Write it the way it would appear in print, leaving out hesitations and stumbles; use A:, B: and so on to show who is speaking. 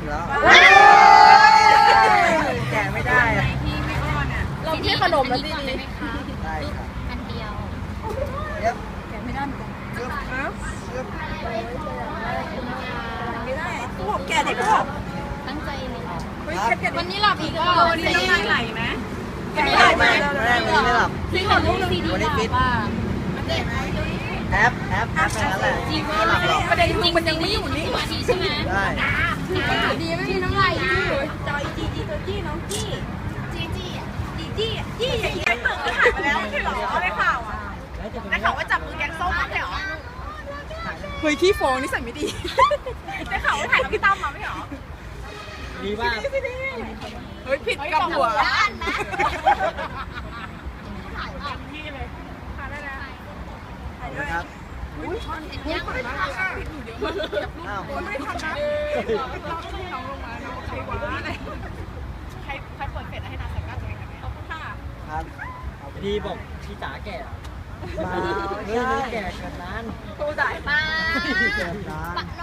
A: อยู่แล้วแกะไม่ได้
B: ที่ไม่อ้อนอ่ะ
C: เราที่ขนมแล้วดี
A: ได้ครับ
D: อันเดียว
A: เย็บ
B: แกะไม่ได้เหมือนกัน
A: เย็บเย็บ
B: ไม่ได้กูบอกแกะเด็กก็บอก
D: ตั้งใจเลย
C: วันนี้หลับอีกก็
B: วันนี้น้ำลายไหลไหม
A: ไม่ได้ไม่ไม่หลับ
D: ที่ของลูกซีดี
A: วันนี้ฟิต
D: ว่า
A: แอปแค่นั้นแหละไม่หลับหรอก
C: ประเด็นคือมันยังไม่อยู่นี่
D: สวัสดีใช่ไหม
A: ได้
C: ดีไม่มีน้ำลายอยู่เลย
B: จอยจีตัวจี้น้องจี้
D: จี้อ่ะ
B: จี้อย่างนี้ไอ้เปิดก็หายไปแล้วไม่ใช่หรอได้ข่าวอ่ะได้ข่าวว่าจับมือแกงส้มไม่ใช่หรอ
C: เฮ้ยขี้ฟองนี่ใส่ไม่ดี
B: ได้ข่าวว่าถ่ายกับพี่ตั้มมาไม่ใช่หรอ
A: ดีมาก
C: เฮ้ยผิดกับหัว
D: ด้านนะ
A: ครับ
D: ยังไม่ทำ
A: อ้าว
B: ไม่ทันนะน้องลงมาน้องใครวะใครเปิดเฟซให้นางแต่งหน้าตัวเองกันเนี่ยขอบคุณค่ะ
A: ครับพี่บอกพี่จ๋าแก่มาเฮ้ยแก่เกินนั้น
C: กูจ่าย
D: มา
A: เกินนั้น